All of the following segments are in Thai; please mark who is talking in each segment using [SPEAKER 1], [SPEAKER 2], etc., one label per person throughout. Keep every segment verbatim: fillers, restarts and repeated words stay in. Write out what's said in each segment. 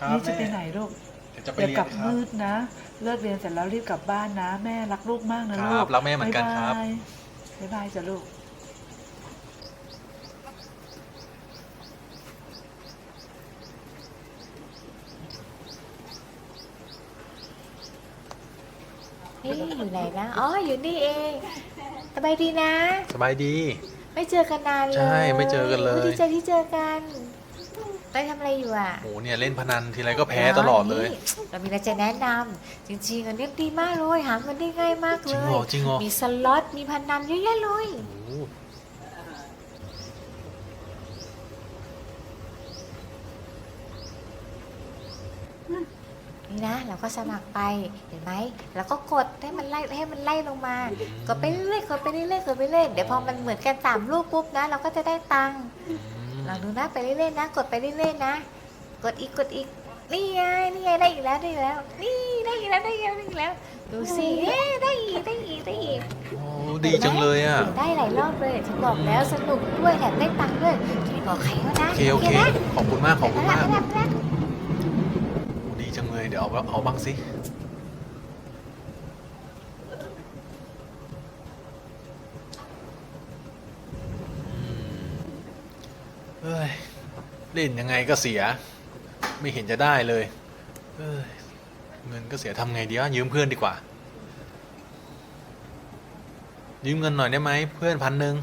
[SPEAKER 1] นี่จะไปไหนลูก
[SPEAKER 2] จะไป
[SPEAKER 1] อย่า
[SPEAKER 2] เรีย
[SPEAKER 1] ก
[SPEAKER 2] น
[SPEAKER 1] ลับ
[SPEAKER 2] ครับ
[SPEAKER 1] มืดนะเลิกเรียนเสร็จแล้วรีบกลับบ้านนะแม่รักลูกมากนะ
[SPEAKER 2] ค
[SPEAKER 1] ลู
[SPEAKER 2] รั
[SPEAKER 1] ก
[SPEAKER 2] บรักแม่เหมือนกันครับ
[SPEAKER 1] บ๊ายบายจ้ะลูก
[SPEAKER 3] นี่อยู่ไหนนะอ๋ออยู่นี่เองสบายดีนะ
[SPEAKER 2] สบายดี
[SPEAKER 3] ไม่เจอกันนานเลย
[SPEAKER 2] ใช่ไม่เจอกันเลย
[SPEAKER 3] โดีใจที่เจอกันไปทำอะไรอยู่อ่ะ
[SPEAKER 2] โหเนี่ยเล่นพนันทีไรก็แพ้ตลอดเลย
[SPEAKER 3] นี่เรามีอะไรจะแนะนำจริงๆอันนี้ดีมากเลยหาเงินได้ง่ายมาก
[SPEAKER 2] จ
[SPEAKER 3] เล
[SPEAKER 2] ริง
[SPEAKER 3] ย
[SPEAKER 2] เหรอจริงเหรอ
[SPEAKER 3] มีสล็อตมีพนันเยอะแยะเลย
[SPEAKER 2] โอ้โห
[SPEAKER 3] นี่นะเราก็สมัครไปเห็นไหมแล้วก็กดให้มันไล่ให้มันไล่ลงมากดไปเรื่อยๆกดไปเรื่อยๆกดไปเรื่อยๆเดี๋ยวพอมันเหมือนกันสามลูกปุ๊บนะเราก็จะได้ตังค์
[SPEAKER 2] อืม
[SPEAKER 3] ลองดูนะไปเรื่อยๆนะกดไปเรื่อยๆนะกดอีกกดอีกนี่ไงนี่ไงได้อีกแล้วได้อีกแล้วนี่ได้อีกแล้วได้อีกแล้วได้อีกแล้วดูสิเอ๊ะได้อีกได้อีกได้อีก
[SPEAKER 2] โอ้ดีจังเลยอ่ะ
[SPEAKER 3] ได้หลายรอบเลยฉันบอกแล้วสนุกด้วยแถมได้ตังค์ด้วยจะไม่บอกใครก็นะ
[SPEAKER 2] โอเคโอเค
[SPEAKER 3] นะ
[SPEAKER 2] ขอบคุณมากขอบคุณมาก
[SPEAKER 3] ไปละไปละ
[SPEAKER 2] โอ้ดีจังเลยเดี๋ยวเอาเอาบ้างสิอืมเอ้ยเล่นยังไงก็เสีย ไม่เห็นจะได้เลยเอ้ยเงินก็เสียทำไงดีวะยืมเพื่อนดีกว่า ยืมเงินหน่อยได้ไหมเพื่อนพันหนึ่ง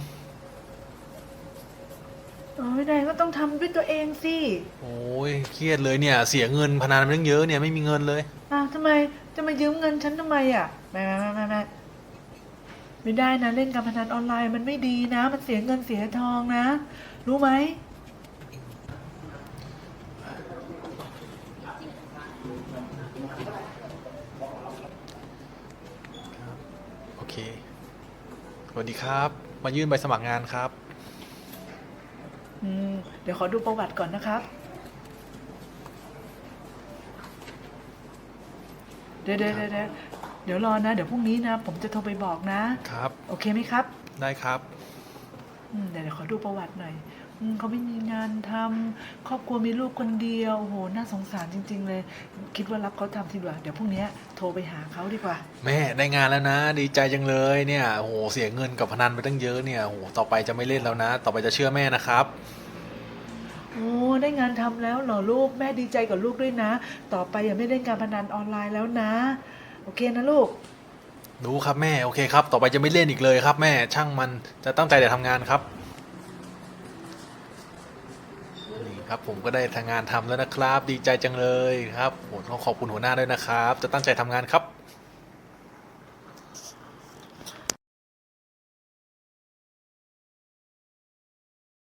[SPEAKER 1] โอ้ยนายก็ต้องทำด้วยตัวเองสิ
[SPEAKER 2] โอ้ยเครียดเลยเนี่ย เสียเงินพนันมันตั้งเยอะเนี่ยไม่มีเงินเลย
[SPEAKER 1] อ้าวทำไมจะมายืมเงินฉันทำไมอ่ะไม่ไม่ไม่ไม่ไม่ไม่ได้นะเล่นการพนันออนไลน์มันไม่ดีนะ มันเสียเงินเสียทองนะ รู้ไหม
[SPEAKER 2] โอเคสวัสดีครับ มายื่นใบสมัครงานครับ
[SPEAKER 1] อืมเดี๋ยวขอดูประวัติก่อนนะครับ เดี๋ยวเดี๋ยวเดี๋ยวเดี๋ยวเดี๋ยวรอนะ เดี๋ยวพรุ่งนี้นะ ผมจะโทรไปบอกนะ
[SPEAKER 2] ครับ
[SPEAKER 1] โอเคไหมครับ
[SPEAKER 2] ได้ครับ
[SPEAKER 1] อืมเดี๋ยวเดี๋ยวขอดูประวัติหน่อยอืมเขาไม่มีงานทำครอบครัวมีลูกคนเดียวโอ้โหน่าสงสารจริง ๆ เลย คิดว่ารับเขาทำทีดีกว่าเดี๋ยวพรุ่งนี้โทรไปหาเขาดีกว่า
[SPEAKER 2] แม่ได้งานแล้วนะ ดีใจจังเลยเนี่ยโอ้โหเสียเงินกับพนันไปตั้งเยอะเนี่ยโอ้โหต่อไปจะไม่เล่นแล้วนะ ต่อไปจะเชื่อแม่นะครับ
[SPEAKER 1] โอ้ได้งานทำแล้วเหรอลูกแม่ดีใจกับลูกด้วยนะ ต่อไปอย่าไม่เล่นการพนันออนไลน์แล้วนะ โอเคนะลูก
[SPEAKER 2] รู้ครับแม่โอเคครับ ต่อไปจะไม่เล่นอีกเลยครับ แม่ช่างมันจะตั้งใจแต่ทำงานครับนี่ครับผมก็ได้ทำงานทำแล้วนะครับ ดีใจจังเลยครับโอ้ต้องขอบคุณหัวหน้าด้วยนะครับ จะตั้งใจทำงานครับ